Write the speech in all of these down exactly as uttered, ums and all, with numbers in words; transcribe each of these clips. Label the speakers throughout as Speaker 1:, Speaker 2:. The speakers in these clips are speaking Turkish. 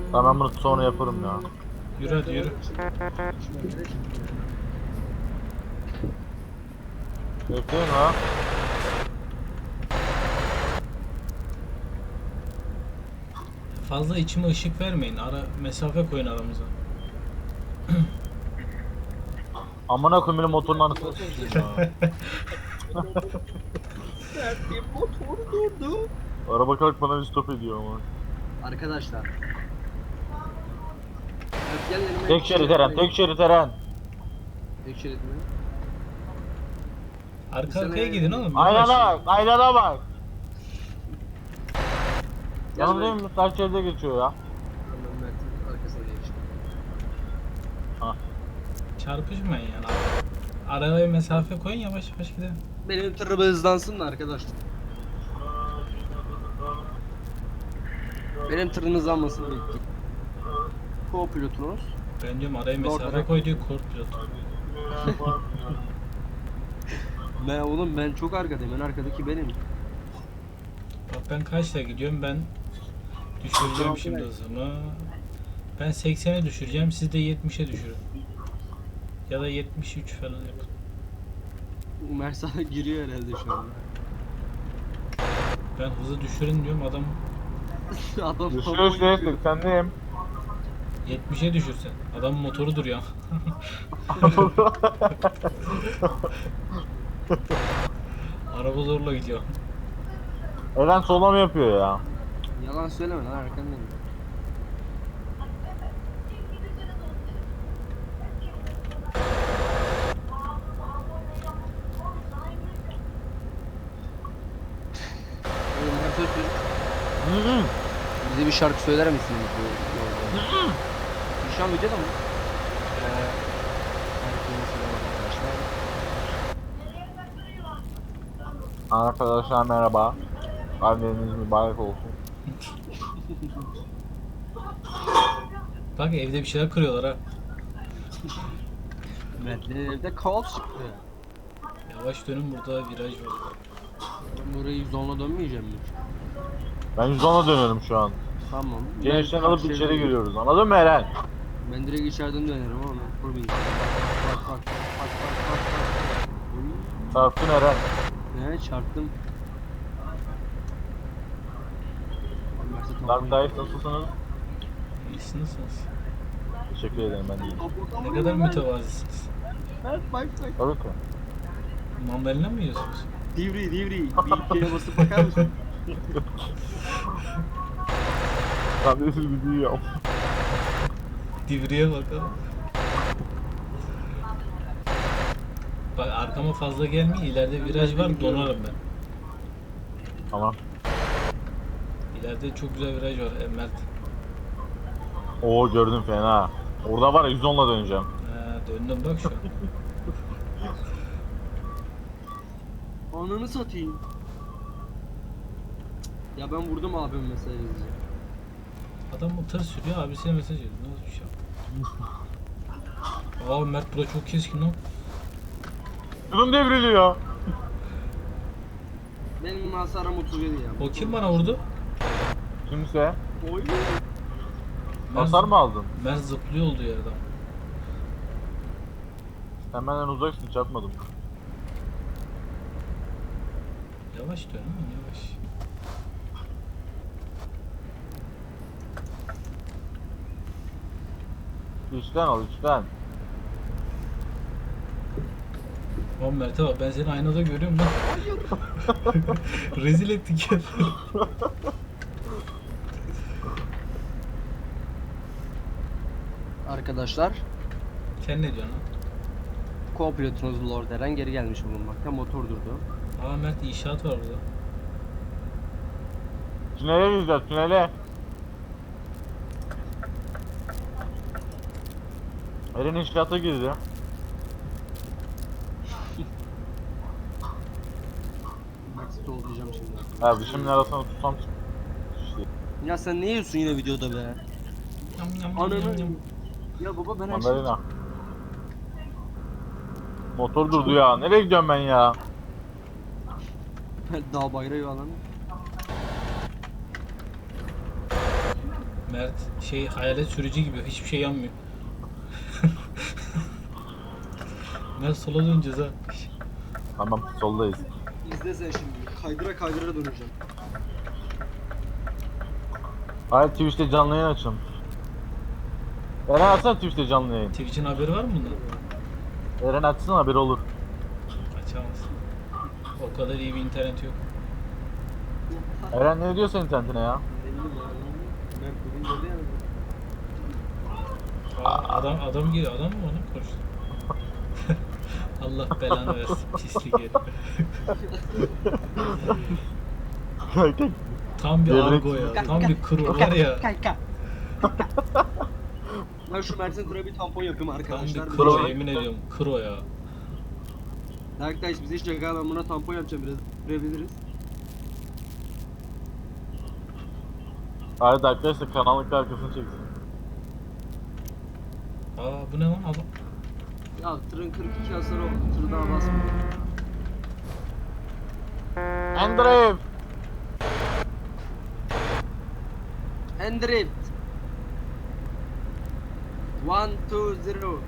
Speaker 1: Tamam bunu sonra yaparım ya.
Speaker 2: Yürü hadi yürü.
Speaker 1: Bekleyin ha.
Speaker 2: Fazla içime ışık vermeyin. Ara mesafe koyun aramıza.
Speaker 1: Amına koyayım benim motorun anasını sikeyim ya.
Speaker 3: Bir motor durdu.
Speaker 1: Araba kalkmadan bir stop ediyor ama.
Speaker 3: Arkadaşlar. Evet, gel yanıma.
Speaker 1: Tek şerit Eren, tek şerit Eren.
Speaker 3: Tek şerit mi?
Speaker 2: Arka arkaya gidin oğlum. yavaş.
Speaker 1: Aynana bak, aynana bak.
Speaker 3: Gel
Speaker 1: Yanındayım mı? Ters şeride geçiyor ya.
Speaker 3: Ben Mert'in arkasına geçtim.
Speaker 2: Çarpışmayın yani. Araya mesafe koyun yavaş yavaş gidelim.
Speaker 3: Benim tırımı hızlansın da arkadaşlar. Benim tırım hızlanmasını bekliyorum. Co-pilotunuz.
Speaker 2: Ben diyorum araya
Speaker 3: Doğru,
Speaker 2: mesafe
Speaker 3: doğru.
Speaker 2: koy diyor korkmuyor.
Speaker 3: Ben oğlum ben çok arkadayım. En arkadaki benim.
Speaker 2: Bak ben kaçta gidiyorum ben düşüreceğim şimdi hızımı. Ben seksene düşüreceğim siz de yetmişe düşürün. Ya da yetmiş üç falan yapın.
Speaker 3: Ömer sana giriyor herhalde şu anda.
Speaker 2: Ben hızı düşürün diyorum adam
Speaker 3: Adam
Speaker 1: Düşüyor işte, seksendeyim.
Speaker 2: yetmişe düşürsen. Adamın motoru duruyor. Araba zorla gidiyor.
Speaker 1: Eren sola mı yapıyor ya?
Speaker 3: Yalan söyleme lan arkandayım. Oğlum Mert Öztürk,
Speaker 1: Hı hı.
Speaker 3: bize bir şarkı söyler misin bu yolda? Şu an videoda mı? Ee, herkese selam arkadaşlar.
Speaker 1: Arkadaşlar merhaba. Anneniz mübarek olsun.
Speaker 2: Bak evde bir şeyler kırıyorlar ha.
Speaker 3: Mert'lerin evde kaos çıktı.
Speaker 2: Yavaş dönün burada viraj var.
Speaker 3: Ben burayı zonla dönmeyeceğim mi?
Speaker 1: Ben yüz ona dönüyorum şu an.
Speaker 3: Tamam.
Speaker 1: Gençten
Speaker 3: Ben
Speaker 1: alıp
Speaker 3: şey-
Speaker 1: içeri giriyoruz. Anladın mı Eren?
Speaker 3: Ben direkt içeriden dönerim ama ben kurmayayım. Bak bak bak bak bak bak bak. Oy.
Speaker 1: Çarptın Eren.
Speaker 3: Ne çarptım.
Speaker 1: Dark Knight nasılsınız?
Speaker 2: İyisiniz.
Speaker 1: Teşekkür ederim ben de.
Speaker 2: Ne kadar mütevazısınız.
Speaker 3: Evet bak bak.
Speaker 1: Tabii ki.
Speaker 2: Mandalina mı yiyorsunuz?
Speaker 3: Divri divri. Bir kere basıp bakar mısın?
Speaker 1: Ben de siz gidiyorum.
Speaker 2: Divriye bakalım. Bak arkama fazla gelmeyin. İleride viraj var donarım ben.
Speaker 1: Tamam.
Speaker 2: İleride çok güzel viraj var e, Mert.
Speaker 1: Oo gördüm fena. Orada var ya yüz onla döneceğim.
Speaker 2: Ha, döndüm bak şu an.
Speaker 3: Ananı satayım. Ya ben vurdum abim mesaj yazacağım.
Speaker 2: Adam o tır sürüyor abisine mesaj ediyor. Nasıl bir şey? Aa Mert bura çok keskin lan.
Speaker 1: Kızım devriliyor.
Speaker 3: Benim hasarım otuz yedi ya.
Speaker 2: O kim bana vurdu?
Speaker 1: Kimse.
Speaker 3: Oy.
Speaker 1: Hasar mı aldın?
Speaker 2: Mert zıplıyor olduğu yerden.
Speaker 1: Sen benden uzaksın, çarpmadım.
Speaker 2: Yavaş dön ama yavaş.
Speaker 1: İçten al içten.
Speaker 2: Oğlum Mert'e bak ben seni aynada görüyorum lan. Rezil ettik ya.
Speaker 3: Arkadaşlar,
Speaker 2: Sen ne diyorsun lan?
Speaker 3: co-pilotunuz Lord Eren geri gelmiş bulunmakta. Motor durdu.
Speaker 2: Aa Mert inşaat var burada.
Speaker 1: Tünele gireceğiz, tünele. Eren inşaata girdi.
Speaker 3: Max'i tollayacağım şimdi.
Speaker 1: Ha dişimin arasına tutsam şey.
Speaker 3: Ya sen ne yiyorsun yine videoda be?
Speaker 2: Yam yam yam
Speaker 3: Ananı.
Speaker 2: yam yam.
Speaker 3: Ya baba ben her şeyi...
Speaker 1: Mandalina. Motor durdu ya. Nereye gidiyorum ben ya?
Speaker 3: Dağ bayrağı alanı.
Speaker 2: Mert şey hayalet sürücü gibi hiçbir şey yanmıyor. Mert sola döneceğiz ha.
Speaker 1: Tamam soldayız.
Speaker 3: İzle sen şimdi. Kaydıra kaydıra döneceğim.
Speaker 1: Hayır Twitch'te canlı yayın açın. Eren açsana Twitch'te canlı yayın.
Speaker 2: Twitch'in haberi var mı bundan?
Speaker 1: Eren açsın haberi olur.
Speaker 2: Açamaz. O kadar iyi bir internet yok.
Speaker 1: Eren ne diyor senin internetine ya?
Speaker 3: Ben bugün geldi yani.
Speaker 2: Aa, adam adam geliyor. Adam mı onu konuştu? Allah belanı versin pislik herif. Tam bir
Speaker 1: Gevrek.
Speaker 2: argo ya. Tam bir kro var ya.
Speaker 3: Ben şu Mert'in kura bir tampon yapayım
Speaker 2: Tam
Speaker 3: arkadaşlar.
Speaker 2: bir kro yemin ediyorum. Kro ya.
Speaker 3: Arkadaş bize hiç şaka, ben buna tampon yapacağım, biraz görebiliriz.
Speaker 1: Hayır arkadaşlar kanallık arkasını çeksin.
Speaker 2: Aa bu ne lan adam?
Speaker 3: Ya tırın kırk iki hasarı oldu, tır daha basmıyor.
Speaker 1: Andrew!
Speaker 3: Endrift. One, two, zero.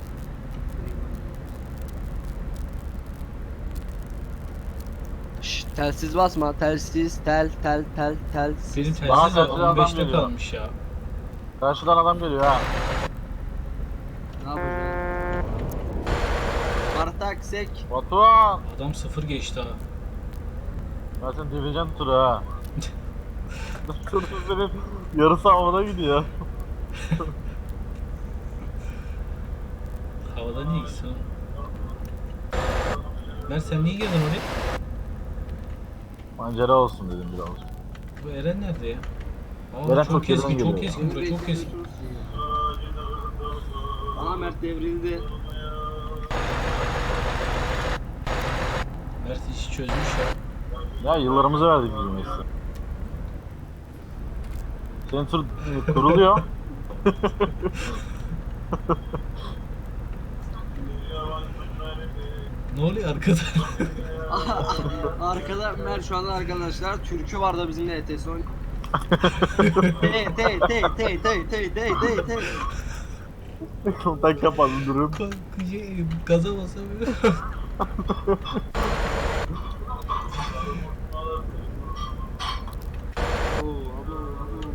Speaker 3: Şşş, telsiz basma, telsiz, tel, tel, tel, telsiz.
Speaker 2: Benim
Speaker 1: Bana
Speaker 2: telsiz de
Speaker 1: telsiz adam
Speaker 2: on beşte
Speaker 1: geliyor.
Speaker 2: kalmış ya.
Speaker 1: Karşıdan adam geliyor ha.
Speaker 3: Ne yapacağız? Bartak sek.
Speaker 1: Batuhan!
Speaker 2: Adam sıfır geçti ha.
Speaker 1: Ben seni devireceğim turu ha. Turu senin yarısı havada gidiyor.
Speaker 2: Havada niye gitsin oğlum? Mert sen niye girdin oraya?
Speaker 1: Mancera olsun dedim biraz.
Speaker 2: Bu Eren nerede ya? Aa,
Speaker 1: Eren
Speaker 2: çok,
Speaker 1: çok
Speaker 2: keskin,
Speaker 1: geriden
Speaker 2: çok
Speaker 1: geliyor.
Speaker 2: keskin bura, çok keskin.
Speaker 3: Aa, Mert devrildi.
Speaker 2: Mert işi çözmüş ya.
Speaker 1: Ya yıllarımızı verdik bizim mesleğe. Senin tur kuruluyor.
Speaker 2: Ne oluyor arkada?
Speaker 3: Arkada Mert şu anda arkadaşlar türkü var da bizimle E T S oynuyor. Te te te te te te te te te.
Speaker 1: Kontak kapalı durum.
Speaker 2: Şey, gaza basamıyor.
Speaker 3: Oo, abo, abo.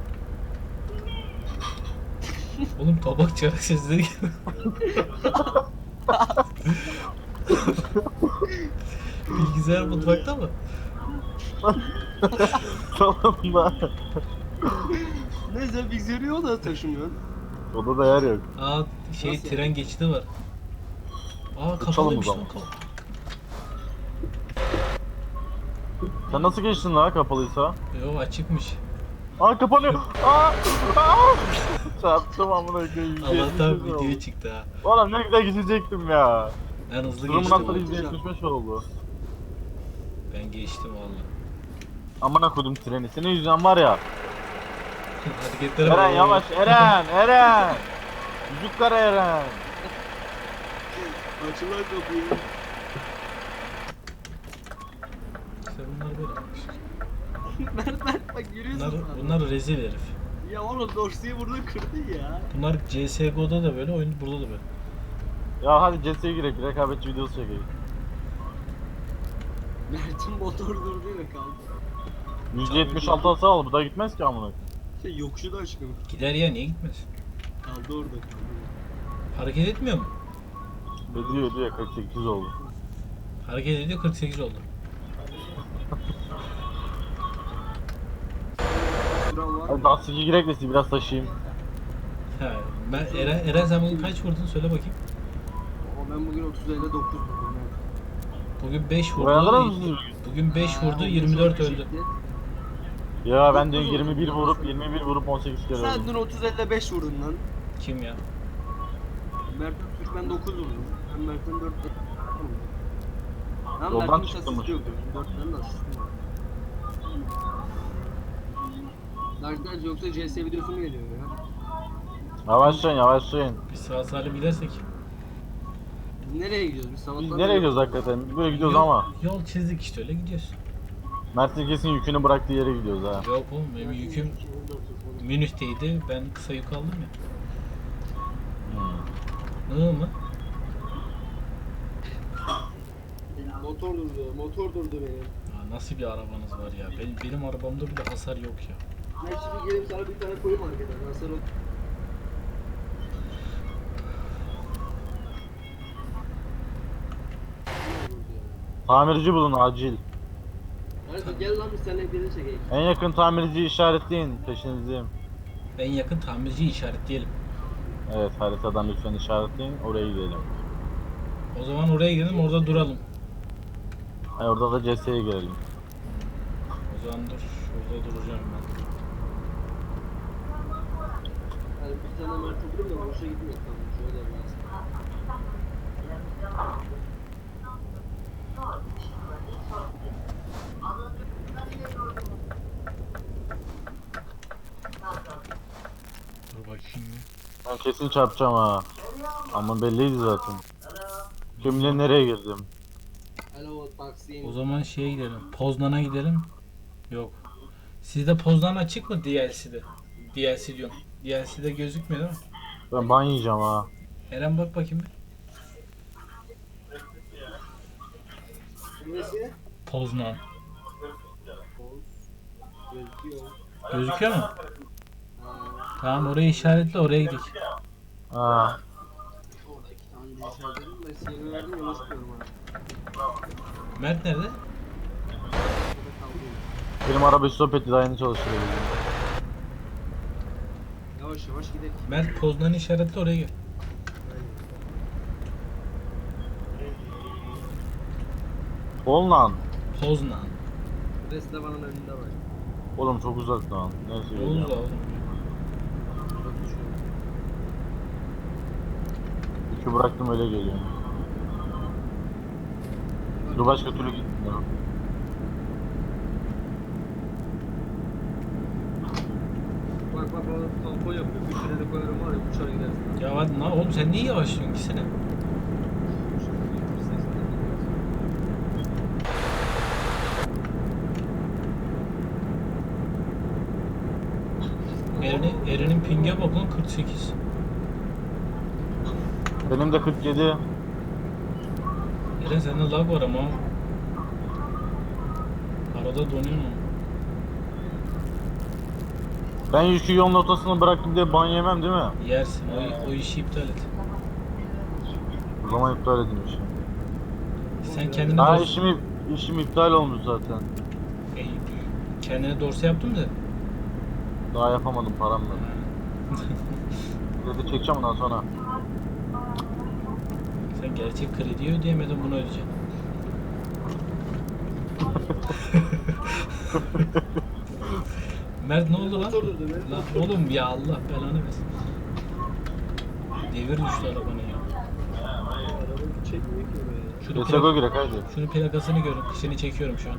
Speaker 2: Oğlum tabak çarak sesleri geliyor. Bilgisayar mutfakta mı?
Speaker 1: Tamam da.
Speaker 3: Neyse bilgisayarı o da taşımıyor.
Speaker 1: Odada yer yok.
Speaker 2: Aa şey
Speaker 3: Nasıl
Speaker 2: tren geçidi var. Aa
Speaker 1: Uçalım o
Speaker 2: kapalıymış lan
Speaker 1: zaman.
Speaker 2: kapı.
Speaker 1: Sen nasıl geçtin lan kapalıysa?
Speaker 2: Yo açıkmış.
Speaker 1: Aa kapanıyor. Aa! Aa! Çarptım amına koyayım.
Speaker 2: Allah'tan video çıktı ha.
Speaker 1: Oğlum ne güzel geçecektim ya.
Speaker 2: En hızlı
Speaker 1: Durumun
Speaker 2: geçtim.
Speaker 1: altında
Speaker 3: o.
Speaker 1: yüzde yetmiş beş oldu.
Speaker 2: Ben geçtim valla.
Speaker 1: Amına koydum treni. Senin yüzünden var ya.
Speaker 2: Hareketlere
Speaker 1: Eren
Speaker 2: bak.
Speaker 1: yavaş Eren Eren. Yüzük kara Eren.
Speaker 3: Açılan kapıyı.
Speaker 2: İşte bunlar böyle.
Speaker 3: Mert Mert bak görüyorsun.
Speaker 2: Bunlar,
Speaker 3: sen.
Speaker 2: bunlar rezil herif.
Speaker 3: Ya oğlum dorsiyi burada kırdı ya.
Speaker 2: Bunlar C S G O'da da böyle, oyun burada da böyle.
Speaker 1: Ya hadi C S'ye girek. Rekabetçi videosu çekelim.
Speaker 3: Mert'in motor durdu ya kaldı.
Speaker 1: yüzde yetmiş altı hasar aldı. Bu da gitmez ki amına.
Speaker 3: Şey yokuşu da aşkım.
Speaker 2: Gider ya niye gitmez?
Speaker 3: Kaldı orada kaldı.
Speaker 2: Hareket etmiyor mu?
Speaker 1: Ediyor ediyor kırk sekiz oldu.
Speaker 2: Hareket ediyor kırk sekiz oldu.
Speaker 3: Süren var
Speaker 1: Hadi
Speaker 3: mı?
Speaker 1: daha sıkı girek de sizi biraz taşıyayım.
Speaker 2: Ha, ben Eren, Eren sen bugün kaç vurdun söyle bakayım.
Speaker 3: O ben bugün otuz ile dokuz vurdum.
Speaker 2: Bugün beş
Speaker 1: Uyanır
Speaker 2: vurdu.
Speaker 1: mısın?
Speaker 2: Bugün beş
Speaker 3: Ha,
Speaker 2: vurdu
Speaker 3: on
Speaker 2: yirmi dört
Speaker 3: beş
Speaker 2: öldü.
Speaker 3: çekti.
Speaker 1: Ya ben de yirmi bir vurup yirmi bir vurup on sekiz kere
Speaker 3: Sen
Speaker 1: öldüm.
Speaker 3: dün otuz ile beş vurdun lan.
Speaker 2: Kim ya?
Speaker 3: Mert'in Türk ben dokuz vurdum. Ben Mert'in dört ile. Lan
Speaker 1: Yoldan
Speaker 3: Mert'in hiç
Speaker 1: çıktım
Speaker 3: asisti yok. dört tane de asisti var. Arkadaşlar yoksa C S videosu mu geliyor ya?
Speaker 1: Yavaşlayın yavaşlayın.
Speaker 2: Biz sağ salim gidersek.
Speaker 3: Biz nereye gidiyoruz? Biz sabahtan
Speaker 1: Biz
Speaker 3: beri-
Speaker 1: nereye gidiyoruz hakikaten? Böyle gidiyoruz
Speaker 2: Yol-
Speaker 1: ama.
Speaker 2: Yol çizdik işte öyle gidiyoruz.
Speaker 1: Mert'in kesin yükünü bıraktığı yere gidiyoruz ha.
Speaker 2: Yok oğlum benim yüküm Münih'teydi. Ben kısa yük aldım ya.
Speaker 1: Hmm.
Speaker 2: Nı mı?
Speaker 4: Motor durdu, motor durdu benim.
Speaker 2: Ya nasıl bir arabanız var ya? Benim, benim arabamda bile hasar yok ya.
Speaker 4: Ben şimdi gelip sana bir tane koyayım arkadan. Nasıl o?
Speaker 1: Tamirci bulun acil.
Speaker 4: Nerede? Gel lan biz seninle birlikte çekeyim.
Speaker 1: En yakın tamirciyi işaretleyin. Peşinizdeyim.
Speaker 2: En yakın tamirciyi işaretleyelim.
Speaker 1: Evet, haritadan lütfen işaretleyin. Oraya gidelim.
Speaker 2: O zaman oraya gidelim, orada duralım.
Speaker 1: Hayır, orada da C S'ye girelim.
Speaker 2: O zaman dur, şurada duracağım ben.
Speaker 4: Yani bir tane Mert oturup da boşa gitmiyor. Tamam şöyle biraz.
Speaker 2: Dur bakayım.
Speaker 1: Ben kesin çarpacağım ha. Ama belliydi zaten. Kim bilir nereye girdim.
Speaker 4: Hello Taksim.
Speaker 2: O zaman şeye gidelim. Poznan'a gidelim. Yok. Sizde Poznan açık mı D L C'de? D L C diyorum. D L C'de gözükmüyor değil mi?
Speaker 1: Ben ban yiyeceğim ha.
Speaker 2: Eren bak bakayım bir.
Speaker 4: Nesi?
Speaker 2: Poznan.
Speaker 4: Poz. Gözüküyor.
Speaker 2: Gözüküyor mu?
Speaker 4: Ha.
Speaker 2: Tamam, orayı işaretle, oraya gidelim.
Speaker 1: Ha.
Speaker 4: Orada iki tane bir işaretledim. Ben seni verdim yola çıkıyorum ha.
Speaker 2: Mert nerede?
Speaker 4: Orada kaldım.
Speaker 1: Benim araba stop etti, daha yeni çalıştırıyor.
Speaker 4: Yavaş yavaş gidelim.
Speaker 2: Mert Poznan'ı işaretle, oraya gel.
Speaker 1: Ol lan.
Speaker 2: Poznan.
Speaker 4: Restoranın önünde var.
Speaker 1: Oğlum çok uzak lan. Neyse
Speaker 2: Ne oldu da
Speaker 1: geliyorum.
Speaker 2: oğlum?
Speaker 4: Bak düşüyor.
Speaker 1: İki bıraktım öyle geliyorum. Dur başka türlü gitmiyor.
Speaker 4: Bak bak bak tampon yapıyor. Bir şuraya da koyarım var ya uçar gidersin.
Speaker 2: Ya hadi lan oğlum, sen niye yavaşlıyorsun? Gitsene. Eren'in Eren'in pinge bak lan, kırk sekiz.
Speaker 1: Benim de kırk yedi.
Speaker 2: Eren sende lag var ama. Arada donuyor mu?
Speaker 1: Ben yükü yolun ortasına bıraktım diye ban yemem değil mi?
Speaker 2: Yersin. O, o işi iptal et.
Speaker 1: O zaman iptal edin işi.
Speaker 2: Sen kendine
Speaker 1: Daha
Speaker 2: dors-
Speaker 1: işim, işim iptal olmuş zaten.
Speaker 2: Ey, kendine dorsa yaptım da.
Speaker 1: Daha yapamadım, param yok. Kredi çekeceğim ondan sonra.
Speaker 2: Sen gerçek krediyi ödeyemedin, bunu ödeyeceksin. Mert ne oldu lan?
Speaker 4: Motor durdu be.
Speaker 2: Lan oğlum ya, Allah belanı versin. Devir düştü arabanın ya.
Speaker 4: Araba çekmiyor ki oraya.
Speaker 2: Şunu,
Speaker 1: Desego
Speaker 2: plak-
Speaker 1: girek haydi.
Speaker 2: şunu plakasını görün. Seni çekiyorum şu an.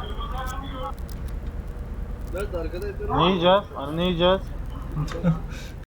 Speaker 4: Nerede arkadaşlar?
Speaker 1: Ne yiyeceğiz? Hani ne yiyeceğiz?